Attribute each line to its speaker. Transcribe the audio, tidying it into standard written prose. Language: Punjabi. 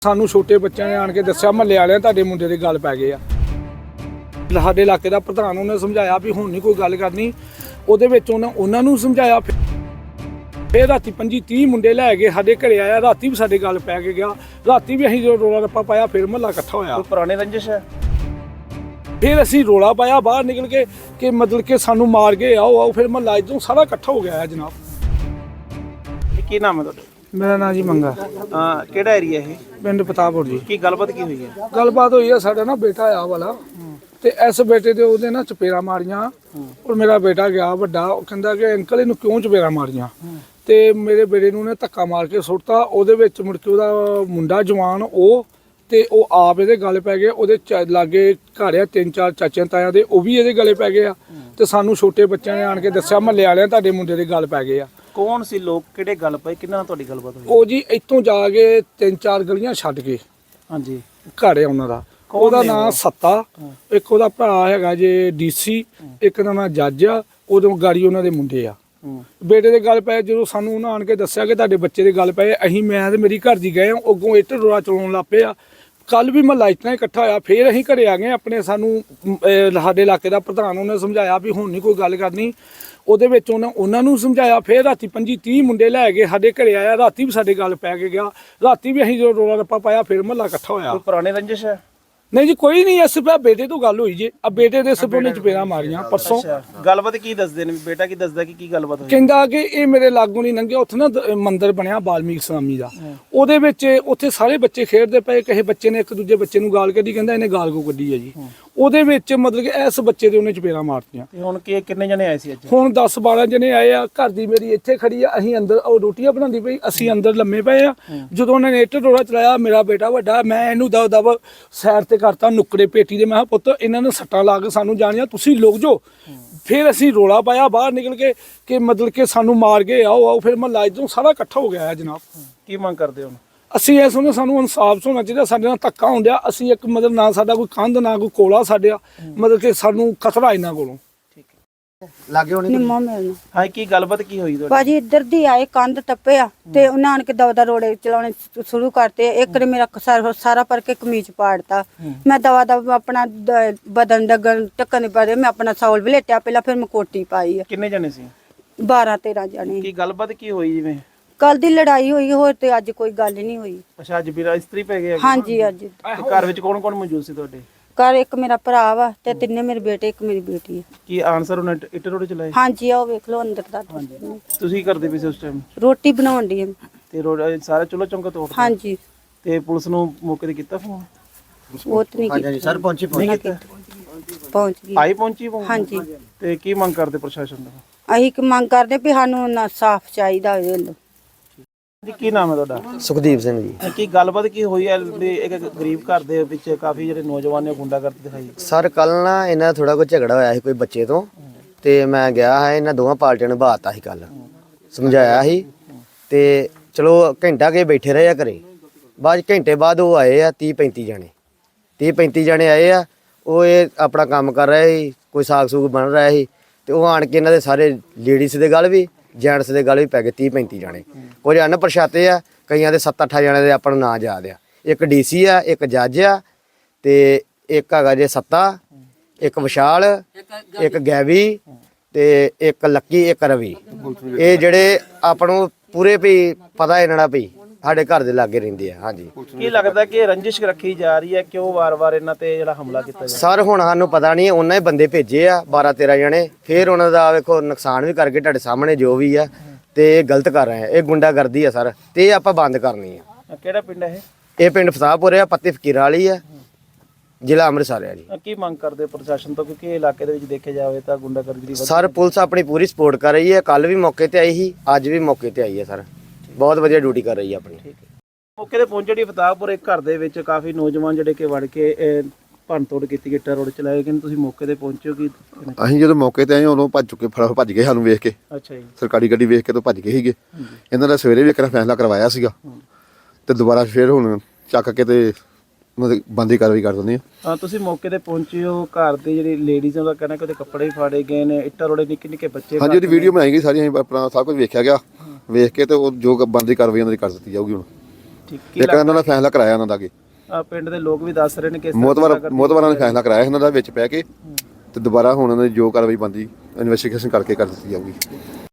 Speaker 1: ਸਾਨੂੰ ਛੋਟੇ ਬੱਚਿਆਂ ਨੇ ਆਣ ਕੇ ਦੱਸਿਆ ਮਹੱਲੇ ਵਾਲਿਆਂ ਤੁਹਾਡੇ ਮੁੰਡੇ ਦੇ ਗੱਲ ਪੈ ਗਏ ਆ। ਸਾਡੇ ਇਲਾਕੇ ਦਾ ਪ੍ਰਧਾਨ ਉਹਨੇ ਸਮਝਾਇਆ ਵੀ ਹੁਣ ਨਹੀਂ ਕੋਈ ਗੱਲ ਕਰਨੀ। ਉਹਦੇ ਵਿੱਚ ਉਹਨਾਂ ਨੂੰ ਸਮਝਾਇਆ। ਫਿਰ ਰਾਤੀ 25-30 ਮੁੰਡੇ ਲੈ ਕੇ ਸਾਡੇ ਘਰੇ ਆਇਆ। ਰਾਤੀ ਵੀ ਸਾਡੇ ਗੱਲ ਪੈ ਕੇ ਗਿਆ। ਰਾਤੀ ਵੀ ਅਸੀਂ ਜਦੋਂ ਰੋਲਾ ਰੱਪਾ ਪਾਇਆ ਫਿਰ ਮਹੱਲਾ ਇਕੱਠਾ ਹੋਇਆ।
Speaker 2: ਕੋਈ ਪੁਰਾਣੇ ਰੰਜਿਸ਼ ਹੈ?
Speaker 1: ਫਿਰ ਅਸੀਂ ਰੋਲਾ ਪਾਇਆ ਬਾਹਰ ਨਿਕਲ ਕੇ ਕਿ ਮਤਲਬ ਕਿ ਸਾਨੂੰ ਮਾਰ ਕੇ ਆਓ। ਫਿਰ ਮਹੱਲਾ ਇੱਧਰੋਂ ਸਾਰਾ ਇਕੱਠਾ ਹੋ ਗਿਆ ਹੈ ਜਨਾਬ।
Speaker 2: ਕੀ ਨਾਮ ਹੈ ਤੁਹਾਡਾ?
Speaker 1: ਮੇਰਾ ਨਾਂ ਜੀ ਮੰਗਾ।
Speaker 2: ਕਿਹੜਾ ਏਰੀਆ ਇਹ?
Speaker 1: ਪਿੰਡ ਪਤਾਪੁਰ ਜੀ।
Speaker 2: ਕੀ ਗੱਲਬਾਤ ਕੀ ਹੋਈ ਹੈ?
Speaker 1: ਗੱਲਬਾਤ ਹੋਈ ਆ, ਸਾਡਾ ਨਾ ਬੇਟਾ ਆ ਵਾਲਾ ਤੇ ਇਸ ਬੇਟੇ ਦੇ ਉਹਦੇ ਨਾ ਚਪੇੜਾਂ ਮਾਰੀਆਂ। ਔਰ ਮੇਰਾ ਬੇਟਾ ਗਿਆ ਵੱਡਾ, ਉਹ ਕਹਿੰਦਾ ਕਿ ਅੰਕਲ ਇਹਨੂੰ ਕਿਉਂ ਚਪੇੜਾਂ ਮਾਰੀਆਂ। ਤੇ ਮੇਰੇ ਬੇਟੇ ਨੂੰ ਉਹਨੇ ਧੱਕਾ ਮਾਰ ਕੇ ਸੁੱਟਤਾ। ਉਹਦੇ ਵਿੱਚ ਮੁੜ ਕੇ ਉਹਦਾ ਮੁੰਡਾ ਜਵਾਨ ਤੇ ਉਹ ਆਪ ਇਹਦੇ ਗਲ ਪੈ ਗਏ। ਉਹਦੇ ਲਾਗੇ ਘਰ ਆ 3-4 ਚਾਚਿਆਂ ਤਾਇਆਂ ਦੇ, ਉਹ ਵੀ ਇਹਦੇ ਗਲੇ ਪੈ ਗਏ ਆ। ਤੇ ਸਾਨੂੰ ਛੋਟੇ ਬੱਚਿਆਂ ਨੇ ਆਣ ਕੇ ਦੱਸਿਆ ਮਹੱਲੇ ਵਾਲਿਆਂ ਤੁਹਾਡੇ ਮੁੰਡੇ ਦੇ ਗੱਲ ਪੈ ਗਏ ਆ।
Speaker 2: ਕੌਣ ਸੀ ਲੋਕ, ਕਿਹੜੇ ਗੱਲ ਪਏ, ਕਿੰਨਾ ਨਾਲ ਤੁਹਾਡੀ ਗੱਲਬਾਤ ਹੋਈ?
Speaker 1: ਉਹ ਜੀ ਇੱਥੋਂ ਜਾ ਕੇ 3-4 ਗਲੀਆਂ ਛੱਡ ਕੇ
Speaker 2: ਹਾਂਜੀ
Speaker 1: ਘਰ ਆ ਉਹਨਾਂ ਦਾ। ਉਹਦਾ ਨਾਂ ਸੱਤਾ, ਇੱਕ ਉਹਦਾ ਭਰਾ ਹੈਗਾ ਜੇ ਡੀਸੀ, ਇੱਕ ਦਾ ਨਾਂ ਜੱਜ ਆ। ਉਦੋਂ ਗਾੜੀ ਉਹਨਾਂ ਦੇ ਮੁੰਡੇ ਆ। ਬੇਟੇ ਦੇ ਗੱਲ ਪਏ। ਜਦੋਂ ਸਾਨੂੰ ਉਹਨਾਂ ਆਣ ਕੇ ਦੱਸਿਆ ਕਿ ਤੁਹਾਡੇ ਬੱਚੇ ਦੇ ਗੱਲ ਪਏ, ਅਸੀਂ ਮੈਂ ਤੇ ਮੇਰੀ ਘਰ ਦੀ ਗਏ ਅੱਗੋਂ ਇੱਟ ਰੋੜਾ ਚਲਾਉਣ ਲੱਗ ਪਏ ਆ। ਕੱਲ ਵੀ ਮਹੱਲਾ ਇਤਨਾ ਇਕੱਠਾ ਹੋਇਆ। ਫਿਰ ਅਸੀਂ ਘਰੇ ਆ ਗਏ ਆਪਣੇ। ਸਾਨੂੰ ਸਾਡੇ ਇਲਾਕੇ ਦਾ ਪ੍ਰਧਾਨ ਉਹਨੇ ਸਮਝਾਇਆ ਵੀ ਹੁਣ ਨਹੀਂ ਕੋਈ ਗੱਲ ਕਰਨੀ। ਉਹਦੇ ਵਿੱਚ ਉਹਨਾਂ ਨੂੰ ਸਮਝਾਇਆ। ਫਿਰ ਰਾਤੀ 25-30 ਮੁੰਡੇ ਲੈ ਕੇ ਸਾਡੇ ਘਰੇ ਆਇਆ। ਰਾਤੀ ਵੀ ਸਾਡੇ ਗੱਲ ਪੈ ਕੇ ਗਿਆ। ਰਾਤੀ ਵੀ ਅਸੀਂ ਜਦੋਂ ਰੋਲਾ ਰੱਪਾ ਪਾਇਆ ਫਿਰ ਮਹੱਲਾ ਇਕੱਠਾ ਹੋਇਆ।
Speaker 2: ਕੋਈ ਪੁਰਾਣੇ ਰੰਜਿਸ਼ ਹੈ?
Speaker 1: ਨਹੀਂ ਜੀ ਕੋਈ ਨਹੀਂ। ਇਸ ਬੇਟੇ ਤੋਂ ਗੱਲ ਹੋਈ ਜੇ। ਆ ਬੇਟੇ ਦੇ ਸਿਰ ਉਹਨੇ ਚਪੇੜਾਂ ਮਾਰੀਆਂ ਪਰਸੋਂ।
Speaker 2: ਗੱਲਬਾਤ ਕੀ ਦੱਸਦੇ ਨੇ? ਬੇਟਾ ਕੀ ਦੱਸਦਾ ਕਿ ਕੀ ਗੱਲਬਾਤ ਹੋਈ?
Speaker 1: ਕਹਿੰਦਾ ਕਿ ਇਹ ਮੇਰੇ ਲਾਗੋਂ ਨਹੀਂ ਲੰਘਿਆ। ਉੱਥੇ ਨਾ ਮੰਦਿਰ ਬਣਿਆ ਬਾਲਮੀਕ ਸਵਾਮੀ ਦਾ। ਉਹਦੇ ਵਿੱਚ ਉੱਥੇ ਸਾਰੇ ਬੱਚੇ ਖੇਡਦੇ ਪਏ। ਕਿਸੇ ਬੱਚੇ ਨੇ ਇੱਕ ਦੂਜੇ ਬੱਚੇ ਨੂੰ ਗਾਲ ਕੱਢੀ। ਕਹਿੰਦਾ ਇਹਨੇ ਗਾਲ ਕੋ ਕੱਢੀ ਹੈ ਜੀ। ਉਹਦੇ ਵਿੱਚ ਮਤਲਬ ਕਿ ਇਸ ਬੱਚੇ ਦੇ ਉਹਨੇ ਚਪੇੜਾਂ ਮਾਰਤੀਆਂ।
Speaker 2: ਤੇ ਹੁਣ ਕਿੰਨੇ ਜਣੇ ਆਏ ਸੀ ਅੱਜ?
Speaker 1: ਹੁਣ 10-12 ਜਣੇ ਆਏ ਆ। ਘਰ ਦੀ ਮੇਰੀ ਇੱਥੇ ਖੜੀ ਆ। ਅਸੀਂ ਅੰਦਰ ਉਹ ਰੋਟੀਆਂ ਬਣਾਉਂਦੀ ਪਈ, ਅਸੀਂ ਅੰਦਰ ਲੰਮੇ ਪਏ ਆ। ਜਦੋਂ ਉਹਨਾਂ ਨੇ ਇੱਟ ਰੋੜਾ ਚਲਾਇਆ, ਮੇਰਾ ਬੇਟਾ ਵੱਡਾ, ਮੈਂ ਇਹਨੂੰ ਦਬ ਸਾਈਡ ਤੇ ਕਰਤਾ ਨੁੱਕੜੇ ਪੇਟੀ ਦੇ। ਮੈਂ ਕਿਹਾ ਪੁੱਤ ਇਹਨਾਂ ਨੂੰ ਸੱਟਾਂ ਲਾ ਕੇ ਸਾਨੂੰ ਜਾਣੀਆਂ, ਤੁਸੀਂ ਲੁਕ ਜਾਓ। ਫਿਰ ਅਸੀਂ ਰੋਲਾ ਪਾਇਆ ਬਾਹਰ ਨਿਕਲ ਕੇ ਕਿ ਮਤਲਬ ਕਿ ਸਾਨੂੰ ਮਾਰ ਕੇ ਆਓ। ਫਿਰ ਮਹੱਲਾ ਇੱਧਰੋਂ ਸਾਰਾ ਇਕੱਠਾ ਹੋ ਗਿਆ ਹੈ ਜਨਾਬ।
Speaker 2: ਕੀ ਮੰਗ ਕਰਦੇ ਹੋ? ਅਸੀਂ
Speaker 1: ਇਹ ਸਮਝਦੇ ਸਾਨੂੰ ਇਨਸਾਫ ਹੋਣਾ ਚਾਹੀਦਾ। ਸਾਡੇ ਨਾਲ ਧੱਕਾ ਹੁੰਦਿਆ। ਅਸੀਂ ਇੱਕ ਮਤਲਬ ਨਾ ਸਾਡਾ ਕੋਈ ਕੰਧ ਨਾ ਕੋਈ ਕੋਲਾ ਸਾਡਿਆ, ਮਤਲਬ ਕਿ ਸਾਨੂੰ ਖਤਰਾ ਇਹਨਾਂ ਕੋਲੋਂ।
Speaker 2: ਲਾਗੇ ਹੋਣੀ
Speaker 3: ਨਿੰਮੋ ਮਿਲਣਾ।
Speaker 2: ਹਾਂ, ਕੀ ਗੱਲਬਾਤ ਕੀ ਹੋਈ ਤੁਹਾਡੀ?
Speaker 3: ਭਾਜੀ ਇੱਧਰ ਦੀ ਆਏ, ਕੰਧ ਟੱਪਿਆ ਤੇ ਉਹਨਾਂ ਆਣ ਕੇ ਦਵਾ ਰੋੜੇ ਚਲਾਉਣੇ ਸ਼ੁਰੂ ਕਰਤੇ। ਇੱਕ ਨੇ ਮੇਰਾ ਸਾਰਾ ਪਰ ਕੇ ਕਮੀਜ਼ ਪਾੜਤਾ। ਮੈਂ ਦਵਾ ਆਪਣਾ ਬਦਨ ਡਗਣ ਟੱਕਣ ਪੜੇ। ਮੈਂ ਆਪਣਾ ਸੌਲ ਵਲੇਟਿਆ ਪਹਿਲਾਂ, ਫਿਰ ਮੈਂ ਕੋਟੀ ਪਾਈ ਆ।
Speaker 2: ਕਿੰਨੇ ਜਣੇ ਸੀ?
Speaker 3: 12-13 ਜਣੇ।
Speaker 2: ਕੀ ਗੱਲਬਾਤ ਕੀ ਹੋਈ? ਜਿਵੇਂ
Speaker 3: ਕੱਲ ਦੀ ਲੜਾਈ ਹੋਈ, ਹੋਰ ਤੇ ਅੱਜ ਕੋਈ ਗੱਲ ਨਹੀਂ ਹੋਈ।
Speaker 2: ਅੱਛਾ, ਅੱਜ ਵੀਰਾ ਇਸਤਰੀ ਪੈ ਗਿਆ?
Speaker 3: ਹਾਂਜੀ ਅੱਜ।
Speaker 2: ਤੇ ਘਰ ਵਿੱਚ ਕੌਣ ਕੌਣ ਮੌਜੂਦ ਸੀ ਤੁਹਾਡੇ?
Speaker 3: ਘਰ ਇੱਕ ਮੇਰਾ ਭਰਾ ਵਾ ਤੇ ਤਿੰਨੇ ਮੇਰੇ ਬੇਟੇ, ਇੱਕ ਮੇਰੀ ਬੇਟੀ ਹੈ।
Speaker 2: ਕੀ ਆਨਸਰ ਉਹਨੇ ਇੱਟ ਰੋੜੇ ਚਲਾਏ?
Speaker 3: ਹਾਂਜੀ ਆਓ ਵੇਖ ਲਓ ਅੰਦਰ ਦਾ।
Speaker 2: ਤੁਸੀਂ ਕਰਦੇ ਪਏ ਸੀ ਉਸ ਟਾਈਮ?
Speaker 3: ਰੋਟੀ ਬਣਾਉਣ ਦੀ।
Speaker 2: ਤੇ ਰੋੜਾ ਸਾਰਾ ਚੁੱਲ੍ਹਾ ਚੌਂਕਾ ਤੋੜਤਾ?
Speaker 3: ਹਾਂਜੀ।
Speaker 2: ਤੇ ਪੁਲਿਸ ਨੂੰ ਮੌਕੇ ਤੇ ਕੀਤਾ ਫੋਨ?
Speaker 3: ਉਹ ਤੇ ਨਹੀਂ
Speaker 2: ਹਾਂਜੀ ਸਰ, ਪਹੁੰਚੀ
Speaker 3: ਪਹੁੰਚ ਗਈ।
Speaker 2: ਆਈ ਪਹੁੰਚੀ ਫੋਨ?
Speaker 3: ਹਾਂਜੀ।
Speaker 2: ਤੇ ਕੀ ਮੰਗ ਕਰਦੇ ਪ੍ਰਸ਼ਾਸਨ ਦਾ?
Speaker 3: ਅਸੀਂ ਮੰਗ ਕਰਦੇ ਵੀ ਸਾਨੂੰ ਨਾ ਸਾਫ਼ ਚਾਹੀਦਾ ਹੋਵੇ।
Speaker 2: ਜੀ ਕੀ ਨਾਮ ਹੈ ਤੁਹਾਡਾ?
Speaker 4: ਸੁਖਦੀਪ ਸਿੰਘ ਜੀ।
Speaker 2: ਕੀ ਗੱਲਬਾਤ ਕੀ ਹੋਈ ਹੈ? ਇੱਕ ਗਰੀਬ ਘਰ ਦੇ ਵਿੱਚ ਕਾਫੀ ਜਿਹੜੇ ਨੌਜਵਾਨ ਨੇ ਗੁੰਡਾਗਰਦੀ ਦਿਖਾਈ।
Speaker 4: ਸਰ ਕੱਲ ਨਾ ਇਹਨਾਂ ਥੋੜਾ ਕੋਈ ਝਗੜਾ ਹੋਇਆ ਸੀ ਕੋਈ ਬੱਚੇ ਤੋਂ, ਤੇ ਮੈਂ ਗਿਆ ਹੈ। ਇਹਨਾਂ ਦੋਵਾਂ ਪਾਰਟੀਆਂ ਨੂੰ ਬਾਤਾ ਸੀ, ਕੱਲ ਸਮਝਾਇਆ ਸੀ। ਤੇ ਚਲੋ ਘੰਟਾ ਕੇ ਬੈਠੇ ਰਹੇ ਆ ਘਰੇ। ਬਾਅਦ ਘੰਟੇ ਬਾਅਦ ਉਹ ਆਏ ਆ 30-35 ਜਣੇ। 30-35 ਜਣੇ ਆਏ ਆ। ਉਹ ਇਹ ਆਪਣਾ ਕੰਮ ਕਰ ਰਹੇ ਸੀ, ਕੋਈ ਸਾਗ ਸੂਗ ਬਣ ਰਿਹਾ ਸੀ। ਤੇ ਉਹ ਆਣ ਕੇ ਇਹਨਾਂ ਦੇ ਸਾਰੇ ਲੇਡੀਜ਼ ਦੇ ਗੱਲ ਵੀ ਜੈਂਟਸ ਦੇ ਗੱਲ ਵੀ ਪੈ ਗਏ। 30-35 ਜਣੇ। ਕੁਝ ਅਣਪਛਾਤੇ ਆ, ਕਈਆਂ ਦੇ 7-8 ਜਣੇ ਦੇ ਆਪਾਂ ਨੂੰ ਨਾਂ ਯਾਦ ਆ। ਇੱਕ ਡੀਸੀ ਆ, ਇੱਕ ਜੱਜ ਆ, ਤੇ ਇੱਕ ਹੈਗਾ ਜੇ ਸੱਤਾ, ਇੱਕ ਵਿਸ਼ਾਲ, ਇੱਕ ਗੈਵੀ, ਤੇ ਇੱਕ ਲੱਕੀ, ਇੱਕ ਰਵੀ। ਇਹ ਜਿਹੜੇ ਆਪਾਂ ਨੂੰ ਪੂਰੇ ਵੀ ਪਤਾ ਇਹਨਾਂ ਦਾ ਵੀ ਸਾਡੇ ਘਰ ਦੇ ਲਾਗੇ ਰਹਿੰਦੇ ਆ। ਹਾਂਜੀ।
Speaker 2: ਕੀ ਲੱਗਦਾ ਕਿ ਰੰਜਿਸ਼ ਰੱਖੀ ਜਾ ਰਹੀ ਹੈ? ਕਿਉਂ ਵਾਰ-ਵਾਰ ਇਹਨਾਂ ਤੇ ਜਿਹੜਾ ਹਮਲਾ ਕੀਤਾ ਜਾ?
Speaker 4: ਸਰ ਹੁਣ ਸਾਨੂੰ ਪਤਾ ਨਹੀਂ। ਉਹਨਾਂ ਹੀ ਬੰਦੇ ਭੇਜੇ ਆ 12-13 ਜਣੇ। ਫਿਰ ਉਹਨਾਂ ਦਾ ਵੇਖੋ ਨੁਕਸਾਨ ਵੀ ਕਰਕੇ ਤੁਹਾਡੇ ਸਾਹਮਣੇ ਜੋ ਵੀ ਆ। ਤੇ ਇਹ ਗਲਤ ਕਰ ਰਹੇ ਆ, ਇਹ ਗੁੰਡਾਗਰਦੀ ਆ ਸਰ। ਤੇ ਇਹ ਆਪਾਂ ਬੰਦ ਕਰਨੀ ਆ।
Speaker 2: ਕਿਹੜਾ ਪਿੰਡ ਹੈ
Speaker 4: ਇਹ ਪਿੰਡ ਫਸਾਪੁਰ ਆ, ਪੱਤੀ ਫਕੀਰਾਂ ਵਾਲੀ ਆ, ਜ਼ਿਲ੍ਹਾ ਅੰਮ੍ਰਿਤਸਰ ਆ ਜੀ।
Speaker 2: ਕੀ ਮੰਗ ਕਰਦੇ ਪ੍ਰਸ਼ਾਸਨ ਤੋਂ? ਕਿਉਂਕਿ ਇਹ ਇਲਾਕੇ ਦੇ ਵਿੱਚ ਦੇਖਿਆ ਜਾਵੇ ਤਾਂ ਗੁੰਡਾਗਰਦੀ
Speaker 4: ਸਰ ਪੁਲਿਸ ਆਪਣੀ ਪੂਰੀ ਸਪੋਰਟ ਕਰ ਰਹੀ ਹੈ। ਕੱਲ ਵੀ ਮੌਕੇ ਤੇ ਆਈ ਸੀ, ਅੱਜ ਵੀ ਮੌਕੇ ਤੇ ਆਈ ਹੈ ਸਰ। ਬਹੁਤ ਵਧੀਆ ਡਿਊਟੀ ਕਰ ਰਹੀ ਹੈ ਆਪਣੀ।
Speaker 2: ਮੌਕੇ ਤੇ ਪਹੁੰਚੇ ਜੀ ਫਤਾਹਪੁਰ। ਇੱਕ ਘਰ ਦੇ ਵਿੱਚ ਕਾਫੀ ਨੌਜਵਾਨ ਜਿਹੜੇ ਕਿ ਵੜ ਕੇ ਭੰਨ ਤੋੜ ਕੀਤੀ, ਗਿੱਟਾ ਰੋਡ ਚਲਾਏ ਗਏ। ਤੁਸੀਂ ਮੌਕੇ ਤੇ ਪਹੁੰਚੇ ਹੋ? ਕੀ
Speaker 5: ਅਸੀਂ ਜਦੋਂ ਮੌਕੇ ਤੇ ਆਏ ਉਦੋਂ ਭੱਜ ਚੁੱਕੇ, ਭੱਜ ਗਏ ਸਾਨੂੰ ਵੇਖ ਕੇ।
Speaker 2: ਅੱਛਾ ਜੀ।
Speaker 5: ਸਰਕਾਰੀ ਗੱਡੀ ਵੇਖ ਕੇ ਤਾਂ ਭੱਜ ਗਏ ਸੀਗੇ। ਇਹਨਾਂ ਦਾ ਸਵੇਰੇ ਵੀ ਇੱਕ ਫੈਸਲਾ ਕਰਵਾਇਆ ਸੀਗਾ, ਤੇ ਦੁਬਾਰਾ ਫਿਰ ਹੁਣ ਚੱਕ ਕੇ ਤੇ ਬੰਦੀ ਕਾਰਵਾਈ ਕਰ ਦਿੰਦੇ ਆ।
Speaker 2: ਤੁਸੀਂ ਮੌਕੇ ਤੇ ਪਹੁੰਚੇ ਹੋ। ਘਰ ਦੇ ਜਿਹੜੀ ਲੇਡੀਜ਼ ਦਾ ਕਹਿਣਾ ਕਿ ਉਹਦੇ ਕੱਪੜੇ ਵੀ ਫਾੜੇ ਗਏ ਨੇ, ਇੱਟਾਂ ਰੋੜੇ ਨਿੱਕੇ ਬੱਚੇ।
Speaker 5: ਹਾਂਜੀ, ਉਹਦੀ ਵੀਡੀਓ ਬਣਾਈ ਗਈ ਸਾਰੀ। ਅਸੀਂ ਆਪਣਾ ਸਭ ਕੁਝ ਵੇਖਿਆ ਗਿਆ। ਵੇਖ ਕੇ ਤੇ ਉਹ ਜੋ ਬੰਦੀ ਕਾਰਵਾਈ ਉਹਨਾਂ ਦੀ ਕਰ ਦਿੱਤੀ ਜਾਊਗੀ ਹੁਣ।
Speaker 2: ਠੀਕ
Speaker 5: ਇੱਕ ਇਹਨਾਂ ਦਾ ਫੈਸਲਾ ਕਰਾਇਆ ਉਹਨਾਂ ਦਾ ਅੱਗੇ
Speaker 2: ਪਿੰਡ ਦੇ ਲੋਕ ਵੀ ਦੱਸ ਰਹੇ ਨੇ ਕਿ ਇਸ ਤਰ੍ਹਾਂ
Speaker 5: ਮੋਤਵਾਰਾਂ ਨੇ ਫੈਸਲਾ ਕਰਾਇਆ ਇਹਨਾਂ ਦਾ ਵਿੱਚ ਪੈ ਕੇ ਤੇ ਦੁਬਾਰਾ ਹੁਣ ਉਹਨਾਂ ਦੀ ਜੋ ਕਾਰਵਾਈ ਬਣਦੀ ਇਨਵੈਸਟੀਗੇਸ਼ਨ ਕਰਕੇ ਕਰ ਦਿੱਤੀ ਜਾਊਗੀ।